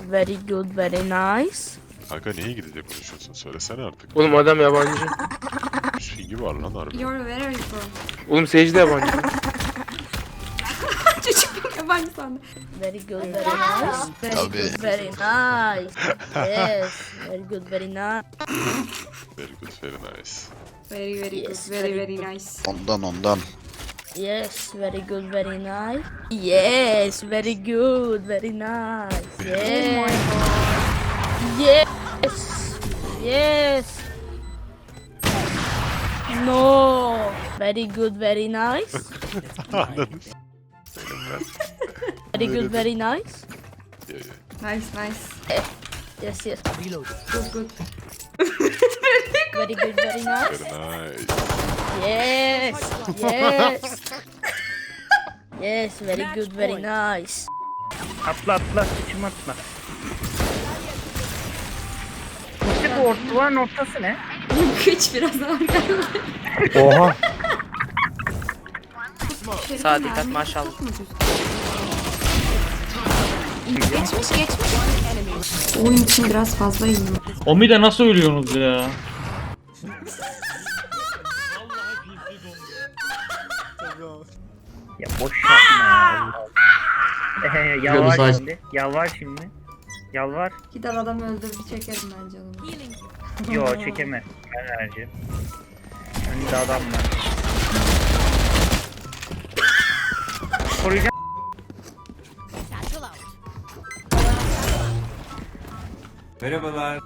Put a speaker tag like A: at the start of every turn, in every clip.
A: Very good, very nice.
B: Kanka niye İngilizce konuşuyorsun? Söylesene artık.
C: Oğlum adam yabancı.
B: Pingi var lan harbi.
D: You're where are you from?
C: Oğlum Sage de yabancı.
D: Çocuk yabancı sandı.
A: Very good, very nice. Very good, very nice. Yes, very good, very nice.
B: Very good, very nice.
D: Very very good.
A: Yes,
D: Very
A: very
D: very
A: good.
D: nice.
E: Ondan.
A: Yes, very good, very nice. Yes, very good, very nice. Yes. Yes. Yes. No. Very good, very nice.
B: Anladın.
A: Very good, very nice.
B: Yeah.
D: Nice nice.
A: Yes, yes.
D: Good good.
A: Very good, very nice.
B: Very nice.
A: Yes. Yes. Yes, very good, very nice.
F: Atla sıçım atla. İşte bu duvarın ortası ne?
D: Kıç biraz ağır geldi.
F: Oha.
C: Sağa dikkat maşallah.
D: Geçmiş. Oyun için biraz fazla iyiyim.
G: Omi'de nasıl ölüyorsunuz ya?
F: Ya boş yapma ya. Yalvar şimdi. Yalvar.
D: Gider adam öldürdü çekerim ben canımı.
F: Yo çekeme. Ben vereceğim. Önünde adam var. Koruyacağım.
H: Merhabalar.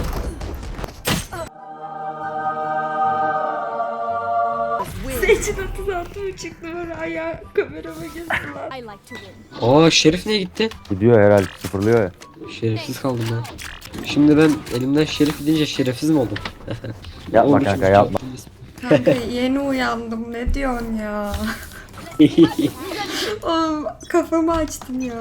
D: Seçin 36 mı çıktı böyle ayağı kamerama girdiler.
I: Aa Şerif niye gitti?
J: Gidiyor herhalde, sıfırlıyor ya.
I: Şerefsiz kaldım ben. Şimdi ben elimden şerif gidince şerefsiz mi oldum?
J: Yapma
I: Olmuşum
J: kanka
I: işte.
J: yapma.
D: Kanka yeni uyandım ne diyorsun ya? Oğlum kafamı açtın ya.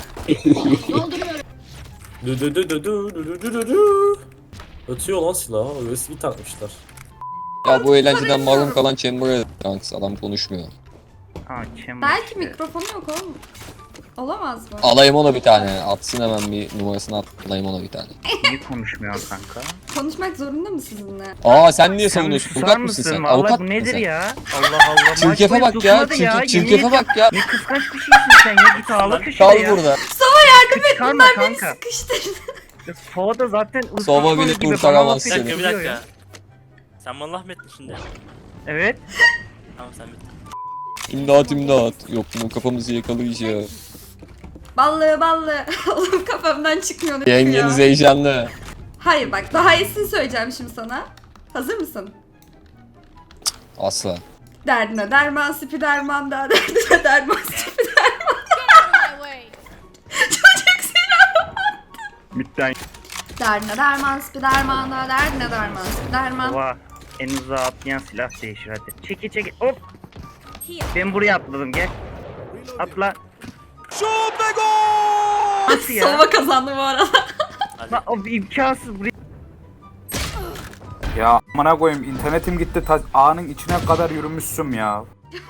H: Ötüyor lan silah. USB takmışlar.
I: Ya bu eğlenceden mahrum kalan Chamber'a kanks adam konuşmuyor.
F: Aa çem.
D: Belki mikrofonu yok oğlum. Olamaz mı?
I: Alayım ona bir tane. Atsın hemen bir numarasını alayım ona bir tane.
F: Niye konuşmuyorsun kanka?
D: Konuşmak zorunda mı sizinle?
I: Aa sen niye
F: Sen
I: savunuyorsun?
F: susar
I: Avukat mısın sen?
F: Vallahi
I: Avukat
F: bu
I: mısın
F: nedir
I: sen?
F: ya? Allah Allah.
I: Çirkefe
F: Maç
I: bak ya.
F: boyu tutmadı
I: Çirkefe
F: yemin
I: bak ya.
F: Ne kıskanç bir şeysin sen ya. Git ağla köşede
I: Kal
F: ya.
I: burada.
F: Çıkarma kanka.
D: Sıkıştırdı.
F: Sova da zaten
I: Sova bile
F: gibi
I: kurtaramaz
F: bana
I: seni.
F: laf
H: Bir
F: ediyor
H: dakika.
F: ya.
H: Sen bana laf mı ettin şimdi?
F: Evet.
H: Tamam sen bitti.
I: İmdat. Yok mu kafamızı yakalayacak.
D: Ballı. Oğlum kafamdan çıkmıyor.
I: Yengeniz heyecanlı.
D: Hayır bak daha iyisini söyleyeceğim şimdi sana. Hazır mısın?
I: Asla.
D: Derdine derman spiderman da derdine derman spiderman. Çocuk silah.
F: Mütten.
D: Derdine derman spiderman da derdine derman spiderman.
F: Sova. En uzağa atlayan silah değişir hadi. Çeki. Hop. Ben buraya atladım gel. Atla. Nasıl ya?
D: Sova kazandı bu arada.
F: Lan o imkansız buraya.
K: Ya amına koyayım internetim gitti ağanın içine kadar yürümüşsün ya.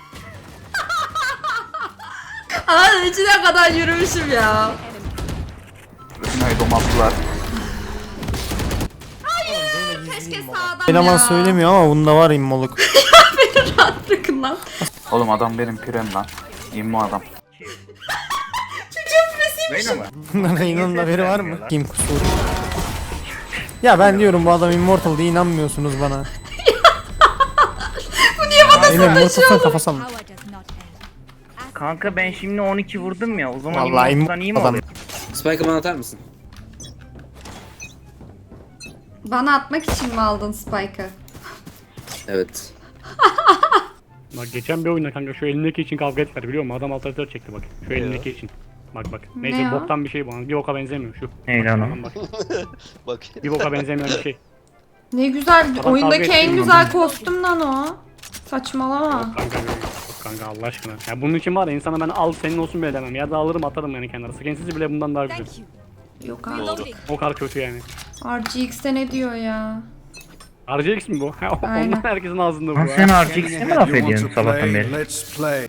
D: Aa içine kadar yürümüşüm ya.
K: Rütünayı domattılar.
D: Keşke sağdan
J: Eleman
D: ya.
J: söylemiyor ama bunda var immoluk.
D: Beni rahat bırakın lan.
K: Oğlum adam benim pirem lan. İmmo adam.
D: Çocuğun presiymiş.
F: Böyle mi?
J: Bunların inanın haberi var mı? Kim kusur? Ya ben diyorum bu adam immortal diye inanmıyorsunuz bana.
D: Bu niye bana
J: Yine immortalsan kafasam.
F: Kanka ben şimdi 12 vurdum ya. O zaman
J: Vallahi
F: immortal'dan iyi mi
J: adam.
F: oluyor?
I: Spike'ı bana atar mısın?
D: Bana atmak için mi aldın Spike'ı?
I: Evet.
G: Bak geçen bir oyunda kanka şu elindeki için kavga ettiler biliyor musun? Adam altı çekti bak. Şu elindeki için. Bak.
D: Ne
G: Neyse
D: ya?
G: boktan bir şey bu. Bir boka benzemiyor şu.
F: Ne lan o?
G: Bak.
I: Bak.
G: Bir boka benzemeyen bir şey.
D: Ne güzel.
G: Adam
D: Oyundaki
G: kavga
D: en
G: etmiyor.
D: güzel kostüm lan o. Saçmalama.
G: Kanka kanka Allah aşkına. Ya bunun için var ya insana ben al senin olsun bile demem. Ya da alırım atarım yani kenara. Skinsiz bile bundan daha güzel.
D: Yok abi.
G: O kadar kötü yani.
D: RGX'te ne diyor ya?
G: RGX mi bu?
D: Aynen.
G: Ondan herkesin ağzında bu.
F: Lan sen RGX'e mi laf ediyorsun sabahtan beri?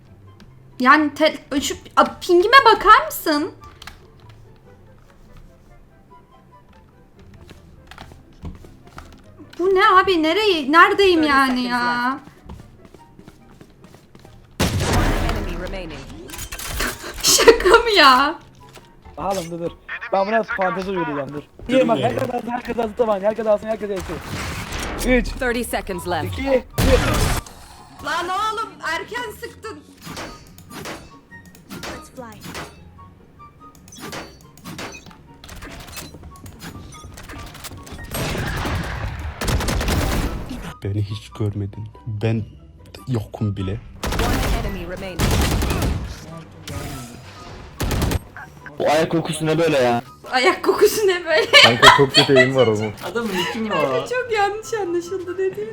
D: Yani şu pingime bakar mısın? Bu ne abi? Neredeyim yani ya? Şaka mı ya?
K: Oğlum dur. Ben buna fantezi uyduracağım dur. İyi bak herkes alsın tamam. Herkes alsın herkes alsın. 3,
E: 30 seconds left.
K: 2, 1.
D: Lan oğlum erken sıktın.
A: Let's fly.
G: Beni hiç görmedin. Ben yokum bile.
E: One enemy remaining.
I: Bu ayak kokusu ne böyle ya?
D: Ayak kokusu ne böyle?
J: Kanka çok kötü eğim var onun.
I: Adamın kim mi o?
D: Çok yanlış anlaşıldı dediğin.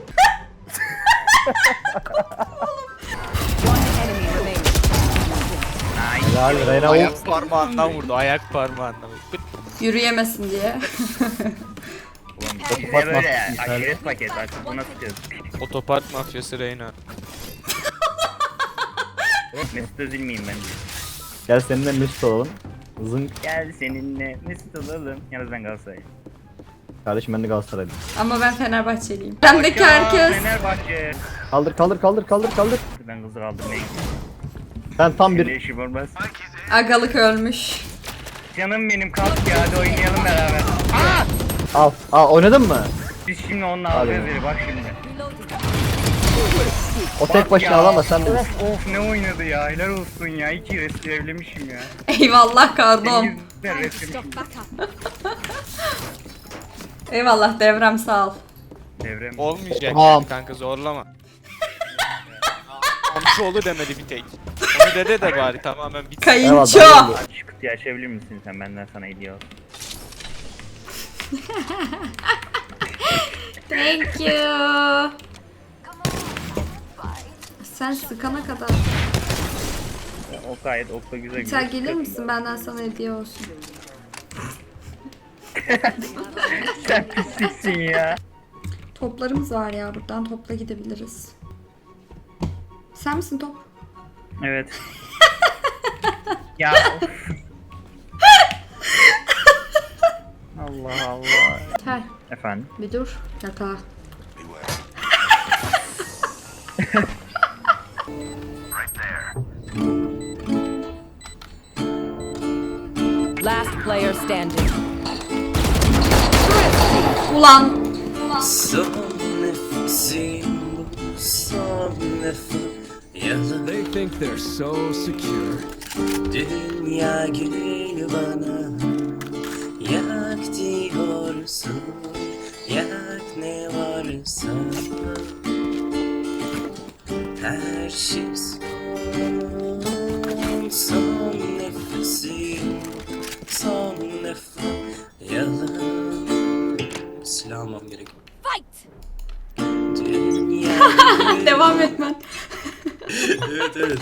E: One enemy remaining.
C: Helal Reyna ayak parmağından vurdu. Ayak parmağından vurdu.
D: Yürüyemesin diye.
F: Ulan bize böyle ya. Aşiret paket artık buna sıkıyoruz.
C: Otopark mafyası Reyna.
F: Mesut Özil miyim ben?
J: Gel seninle Mesut olalım. Zınk.
F: Gel seninle Mesut olalım. Yalnız ben Galatasaray'ım.
J: Kardeşim ben de Galatasaraylıyım.
D: Ama ben Fenerbahçeliyim. Bendeki herkes.
F: Fenerbahçe.
J: Kaldır.
F: Ben kızı kaldırmaya gidiyorum.
J: Ben tam
F: Senin
J: bir...
F: işim olmaz.
D: Agalık ölmüş.
F: Canım benim kalk ya hadi oynayalım beraber.
J: Al oynadın mı?
F: Biz şimdi onunla alacağız biri bak şimdi.
J: O tek başına
F: Ya,
J: alamaz sen de.
F: Of ne oynadı ya helal olsun ya. 2 resmevlemişim ya.
D: Eyvallah kardom.
F: Ben reslemişim.
D: Eyvallah devrem sağ ol.
F: Devrem.
C: Olmayacak
J: Tamam.
C: yani kanka zorlama. Amcaoğlu demedi bir tek. Onu dede de bari tamamen bitsin.
D: Kayınço.
F: Şu kutuyu açabilir misin sen benden sana hediye al.
D: Thank you. Sen sıkana kadar.
F: O gayet okla güzel güzel.
D: Sen gelir misin benden sana hediye olsun.
F: Sen pisliksin ya.
D: Toplarımız var ya buradan topla gidebiliriz. Sen misin top?
F: Evet. Ya of. Allah Allah.
D: Gel
F: Efendim?
D: bir dur. Yakala.
E: Last player standing.
D: Ulan.
I: Son nefesim bu, son nefes. Yalan.
K: They think they're so secure.
I: Dünya gül bana. Yak diyorsun. Yak ne varsa. Her şey son. Son nefesim. Son nefes. Yalan. Silah almam gerek. Dünya
D: Devam etmen.
I: evet.